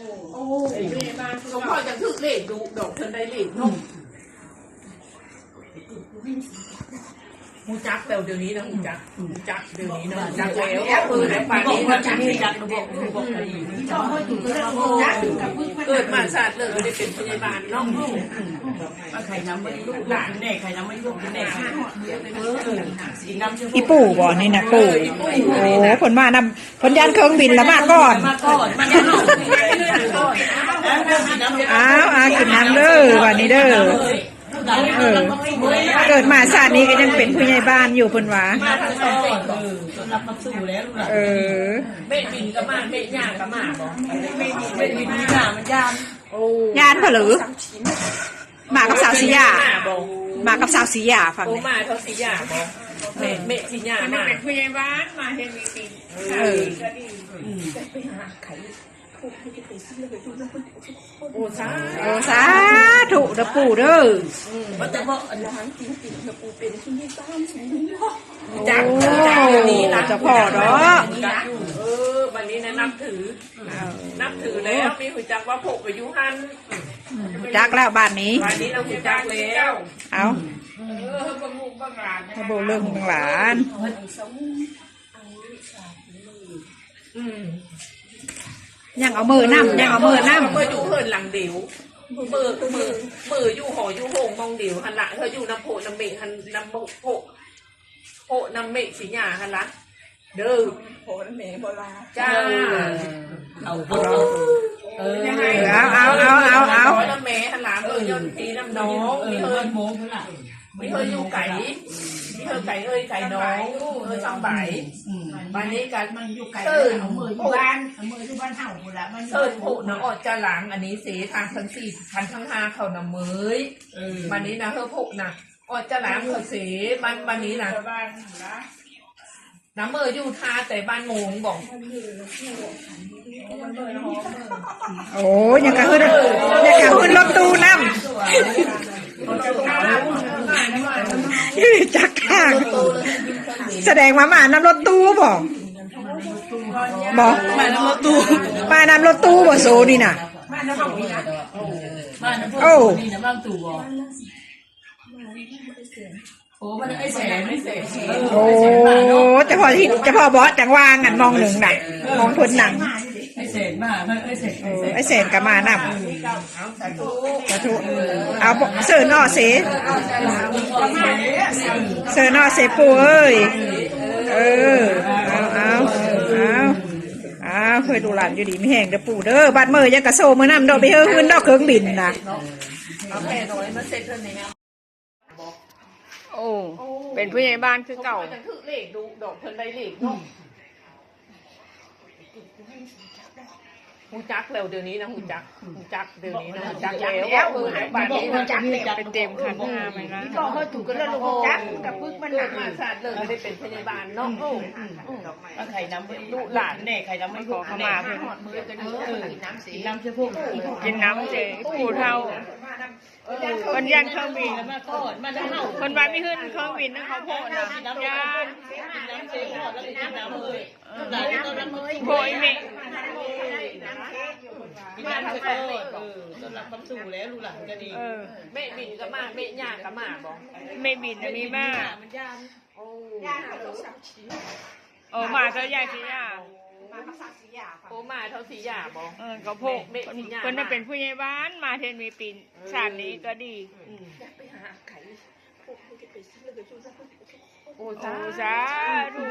โอ้ยสมพรจะถือเลขดูดอกเพิ่นได้เลขเนาะหูจักแต่เดี๋ยวนี้นะหูจักเดี๋ยวนี้นะจักแล้วแล้วป่านนี้ก็จักนี่จักบอกเกิดมาศาสตร์เลยไม่ได้เป็นพยาบาลเนาะใครน้ำไม่ลูกหลานแน่ใครน้ำไม่ลูกแน่อีปู่บ่นี่นะปู่โอ้ผลมานำผลยันเครื่องบินแล้วมาก่อนกินน้ำเด้อวันนี้เด้อเกิดมาชาตินี้ก็ยังเป็นผู้ใหญ่บ้านอยู่เพิ่นว่ารับมาสู่แล้วลูกหลานเม็ดบินก็มาเม็ดย่างก็มาบ่เม็ดบินนี่น่ะมันยานยานเผลือมากับสาวสียามากับสาวสียาฟังมาเท่าสียาบ่เม็ดสียามาเป็นผู้ใหญ่บ้านมาเฮ็ดมีปีไปหาไข่โอ้สาธุเด้อปู่เด้อว่าแต่ว่าอันนั้นจริงๆนะปู่เป็นที่นี่บ้านฉันจักนี้นะจะพ่อเนาะวันนี้นะนับถือแล้วมีหุ่นจักว่าพกไปยุหันจักแล้วบ้านนี้บ้านนี้เราหุ่นจักแล้วเอาถ้าโบเรื่องของหลานยังเอามือนั่มยังเอามือนั่มเมื่ออยู่เฮินหลังเดียวมืออยู่หออยู่โหงมองเดียวหันละเธออยู่น้ำโพน้ำเมฆหันน้ำโพน้ำเมฆสีหยาหันละเด้อโพน้ำเมฆโบราณจ้าเอาน้ำเมฆหันละยนตีน้ำน้องมีเฮินอยู่ไก่มีเฮินไก่ไก่น้องช่างใบวันนี้กันมันอยู่ไก่เอามืออยู่บ้านเห่าหมดละมันเอิญผูน้ำอดจะหลังอันนี้เสียทางทั้ง4 ทั้ง5เขาน้ำมือวันนี้นะเธอผูนะอดจะหลังเขาเสียวันนี้นะน้ำมืออยู่ท่าแต่บ้านงงบอกโอ้ยังกะขึ้นรถตู้น้ำจักทางแสดงว่ามาน้ำรถตู้บอกมาน้ำรถตู้บ่โซนี่น่ะโอ้โอ้มันไอ้แสนไม่เสร็จโอ้จะพอบอสจังว่างอันมองหนึ่งหนักมองทนหนังไอ้เศษมาไอ้เศษกับมานับสาธุเอาเสือนอเสปูเอ้ยเคยดูหลานอยู่ดีไม่แห้งเด้อปู่เด้อบัดเมื่อยังกระโซมือน้ำดอกไปเฮือขึ้นดอกเครื่องบินนะโอ้เป็นผู้ใหญ่บ้านคือเก่าถือเลขดูดอกเพิ่นได้เลขเนาะหูจักแล้วเดี๋ยวนี้นะหูจักเดี๋ยวนี้นะหูจักแล้วบ้านนี้หูจักเป็นเต็มขันห้าไหมนะก็เขาถูกกันแล้วหูจักกับพึ่งมันหนักมาศาสตร์เลยไม่ได้เป็นพยาบาลเนาะใครน้ำลูกหลานแน่ใครน้ำไม่ขอเข้ามาเพื่อนมือกันกินน้ำเชื่อพวกกินน้ำเจ๊ผู้เท่าคนยันเครื่องบินคนบ้านไม่ขึ้นเครื่องบินนะเขาโผล่นะยันโผล่เมฆมาทำต้นรับคำสู่แล้วลูกหลานก็ดีเมฆบินก็มาเมฆย่างก็มาบอกเมฆบินมีมากย่างเขาสับชีมาเท่าใหญ่สียามาเขาสับสียาโอ้มาเท่าสียาบอกเขาโผล่คนนั้นเป็นผู้ใหญ่บ้านมาเทนมีปีนชาตินี้ก็ดีไปหาไข่พวกเขาจะไปซื้อเลยชูซักโอ้จ้าดู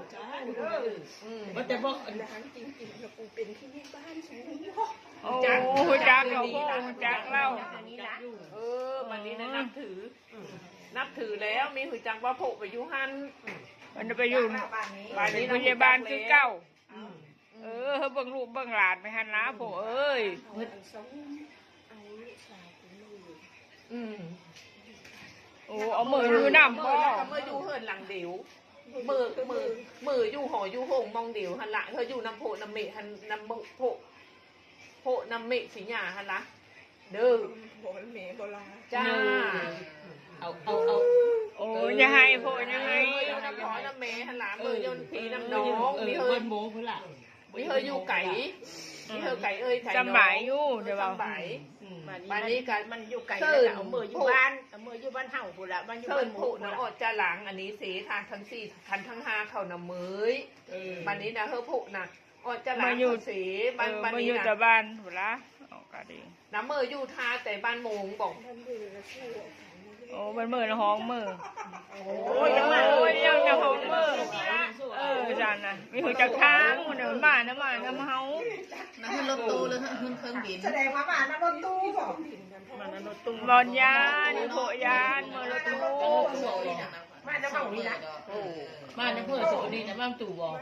ว่าแต่บอกอันนั้นจริงๆเราปูเป็นที่นี่บ้านฉันโอ้จักเราจักเล่าวันนี้นะนับถือแล้วมีหุ่นจักว่าโผล่ไปยุหันมันไปอยู่บ้านนี้พยาบาลคือเก่าเบิ่งลูกเบิ่งหลานไปหันนะโผล่เอ้ยโอ้เอามือดูน้ำก็เมื่ออยู่เฮินหลังเดียวมืออยู่หออยู่หงมองเดียวหันละเธออยู่น้ำโพน้ำเมฆหันน้ำโพน้ำเมฆสีหยาหันละเด้อโพน้ำเมฆโบราณจ้าเอาโอ้ยังไงโผล่ยังไงน้ำพอน้ำเมฆหันละมือยนผีน้ำน้องมีเฮินโมเพื่อละมีเฮินอยู่ไก่มีเธอไก่เอ้ยไก่น้องจำหมายอยู่เดี๋ยวจำหมายบ้านนี้กันมันอยู่ไกลแล้วเอามืออยู่บ้านเอามืออยู่บ้านเฮาพุ่นละบ้านอยู่เชิบ้าญนหผู้มู่น้องอดจะหลังอันนี้สีทางทั้งสี่ทันทั้งห้าเขานำมือบ้านนี้นะเธอผู้นะอดจะหลังเขาสีบ้านมานี้อยู่นะแต่บ้านหัวละเอาก็ดีน้ำมืออยู่ทาแต่บ้านโมงบอกโอ้มันมือละห้องมือโอ้ยยังมาโอ้ยยังจะห้องมือจานนะมีหัวจักทางมันเดินบ้านน้ำเฮานั่นคือรถตู้หรือขึ้นเครื่องบินแสดงว่าบ้านนั้นรถตู้บ่มันรถตุ้มบอลยานโผยานมือรถตู้บ้านจะเฮานี่นะบ้านในเพื่อสุนีนะบ้านตู่บอก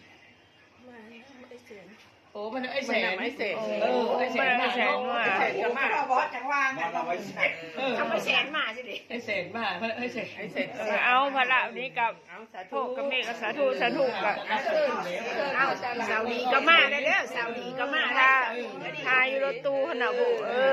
โอ้มันไอ้แสนไม่เสร็จไอ้แสนแสนว่าแสนกันมากบ่จังว่าทำไมแสนมาสิเด็กไอ้แสนบ้าไอ้แสนไอ้เสร็จเอาพระนี้กับเอาสาโทธุษกับเมฆสาธุสาธุกับเอาสาวดีก็มาได้แล้วสาวดีก็มาได้ทาอยู่รถตู้ขนาดบุ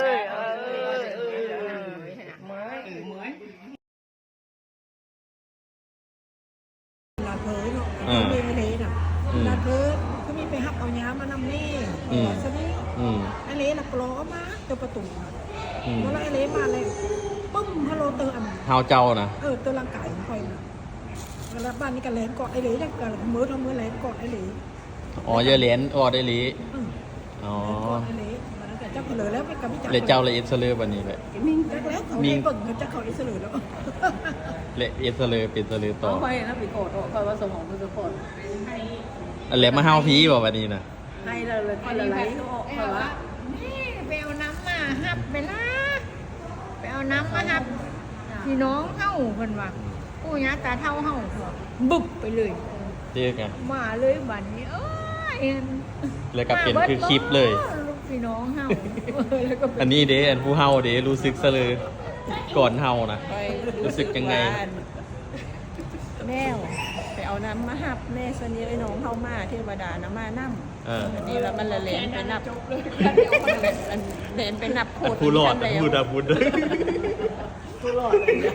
ลาเพยเนาะมีอะไรน่ะลาเพยก็มีไปหับเอาย้ามานำนี่ซะนี่ไอ้เล่น่ะกล้อมาตัวประตูแล้วไอ้เล่มาเลยปึ้มฮัลโหลเตอร์อันเฮาเจ้านะตัวร่างกายของคอยน่ะแล้วบ้านนี้ก็แลนกอดไอ้เล่เนี่ยก็มือทำมือแลนกอดไอ้เล่อ๋อเยอะเหรียญออได้หลี อ๋อไอ้เล่มันก็จะเผลอแล้วไปกับพี่จักรเลเจ้าเลยเอสเลอร์วันนี้เลยมิงจักแล้วเขาได้เบิ่งเขาจะเขาอิสระแล้วเลเอสเลอร์เป็นเสลอต่อค่อยนะไปโกรธค่อยว่าสมองมันจะโกรธอะไรมาเฮาพีบ่วันนี้นะให้เลยค่อยละไหลค่อยว่านี่ไปเอาน้ำมาหับไปละไปเอาน้ำมาหับพี่น้องเฮาเพิ่นว่าปู่ย่าตาเฒ่าเฮาบึบไปเลยเจอกันมาเลยบัดนี้เอ้ยแล้วก็เป็นคือคลิปเลยลูกพี่น้องเฮาแล้วก็อันนี้เด้อันผู้เฮาเด้รู้สึกเสลอก่อนเฮานะรู้สึกยังไงแม่ไปเอาน้ำมาหับแม่สนีไอ้น้องเข้ามาเทวดานะมานั่มนี่แล้วมันละเลนไปนับเลนไปนับโคตรผู้รอดผู้ดาบุญผู้รอด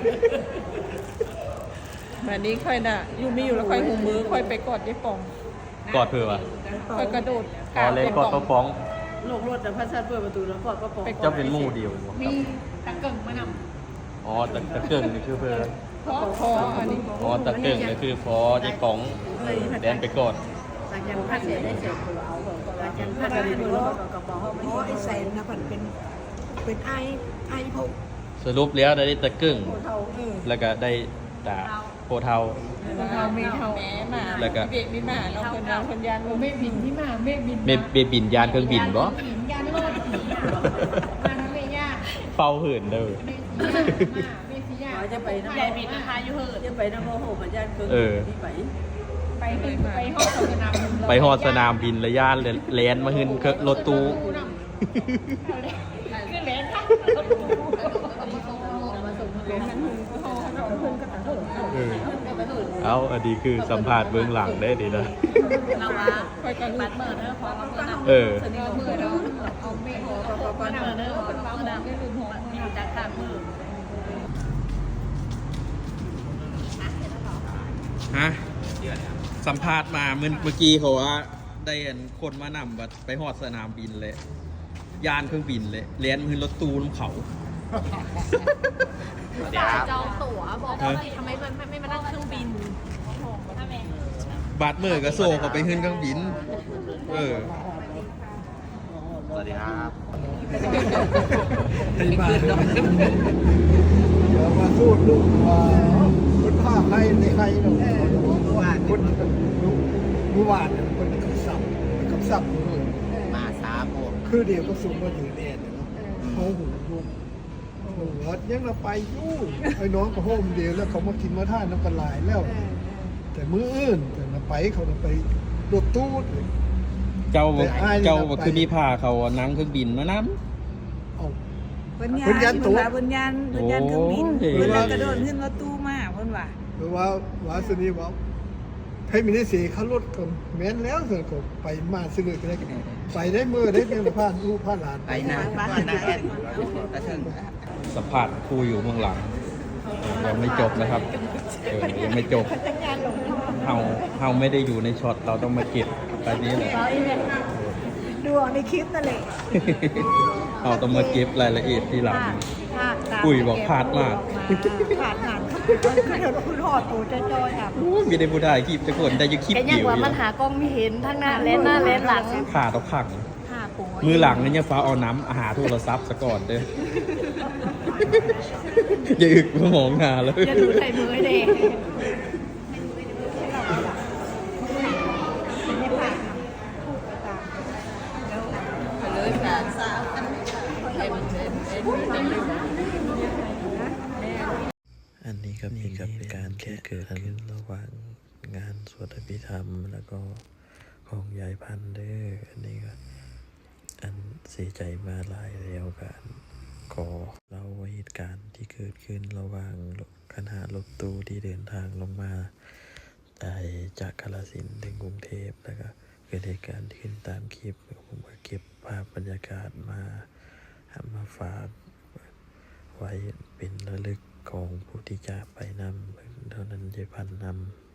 แบบนี้ค่อยน่ะอยู่มีอยู่แล้วค่อยหูมือค่อยไปกอดยายป่องกอดเพื่อวะค่อยกระโดดอ๋อเลยกอดป้าฟ้องโลกรถแต่พระชาติเปิดประตูแล้วกอดก็ปองเจ้าเป็นหมู่เดียวบ่ครับมีตะเกิ่งมานำอ๋อตะเกิ่งนี่คือเพื่อพออันนี้อ๋อตะเกิ่งนี่คือพอยี่ป๋องแดนไปก่อนหลังจากพระเสร็จได้เสร็จเอาแบบหลังจากพระเสร็จแล้วก็ปองเขาไม่เพราะไอ้แสนนะมันเป็นไอพวกสรุปแล้วได้ตะเกิ่งเท่าแล้วก็ได้ตาโพเทาเราไม่เท่าแม่มาแล้วก็เบะมีมาเราคนเราคนยานเราไม่บินที่มาไม่บินเบบินยานเครื่องบินบ่บินยานโลดมาทำไมยากเฝ้าหื่นเด้อไม่สิยากจะไปนะใหญ่บินนะคะอยู่เหินจะไปนะโมโหมันญาติเกินที่ไปไปห้องสนามบินไปฮอดสนามบินระยะแลนมาหื่นรถตู้คือแหลนค่ะเอาอันนี้คือสัมภาษณ์เบื้องหลังได้ดีนะเราว่าคอยกันบัดเมื่อเด้อพอมาเมื่อนะเออสนิทมือเด้อเอาไม่หัวก็ปันเมื่อเด้อปันเมื่อนะมีจากข้างมือฮะสัมภาษณ์มาเมื่อกี้เขาว่าได้อันคนมานำบัดไปฮอดสนามบินเลยยานเครื่องบินเลยแลนมาหื่นรถตู้น้ำเขาจองตั๋วบอกว่าทำไมไม่มานั่งเครื่องบินบาดมือก็โซ่เขาไปหื่นเครื่องบิน เออสวัสดีครับไอ้บ้านเดี๋ยวมาสู้ลูกว่าคนภาคไทยในไทยเนาะคนเมื่อวานเนี่ยคนกับสับเลยมาสามโมงคือเดียวก็สูงมาถึงแดนเนาะเขาหูลูกวัดยังเราไปอยู่ไอ้น้องก็โฮมเดียวแล้วเขามากินมาท่านน้ำกันหลายแล้ว แต่มื้ออื่นแต่เราไปเขาไปรถตู้เจ้าแต่อ้ายนี่เจ้าเราไปคือมีพาเขานั่งเครื่องบินมานํเอาเพิ่นเพิ่นยันตัวเพิ่นยันเครื่องบินโอ้ยเพิ่นเลยกระโดดขึ้นรถตู้มาเพิ่นว่าหรือว่าวาสนีว่าให้มีได้เสียเขาลดก่อนแม้นแล้วเสร็จก็ไปมาซื้อก็ได้ไปได้เมื่อได้เพียงแต่ผ่านลูกผ่านหลานไปนะว่านะแอนกระเทิงสัมภาษณ์ครูอยู่เบื้องหลังยังไม่จบนะครับยังไม่จบเฮาไม่ได้อยู่ในช็อตเราต้องมาเก็บแบบนี้เลยดูเอาในคลิปนั่นแหละเอาต้องมาเก็บรายละเอียดที่หลังพลาดอุ้ยบอกพลาดมากพลาดงานคือเดี๋ยวคุณหอดตัวจอยๆครับโอ้ยมีได้ผู้ได้คลิปจะคนได้อยังคลิปแกยัเดีงยวว่าอยู่มันหากล้องไม่เห็นทั้งหน้าเลนหน้าเลนหลังขาต้องพังหาปุ๋ยมือหลังนี่ยังฟ้าเอาน้ำอาหารโทรศัพท์ซะก่อนเด้อ อย่าอึกมามองหาเลยอย่าดูใส่มือเด็กไม่พลาดครับพูดไปตามเลยสาวสาวให้มันเป็นอันนี้ก็เป็นการที่เกิดขึ้นระหว่างงานสวดอภิธรรมแล้วก็ของยายพันธุ์เด้ออันนี้ก็อันเสียใจมาหลายแล้วกันขอเล่าเหตุการณ์ที่เกิดขึ้นระหว่างคณะรถตู้ที่เดินทางลงมาจากกาฬสินธุ์ถึงกรุงเทพแล้วก็เกิดเหตุการณ์ที่ขึ้นตามคลิปผมก็เก็บภาพบรรยากาศมาฝากไว้เป็นระลึกของผู้ที่จากไปนำเท่านั้นยายพันธุ์นำ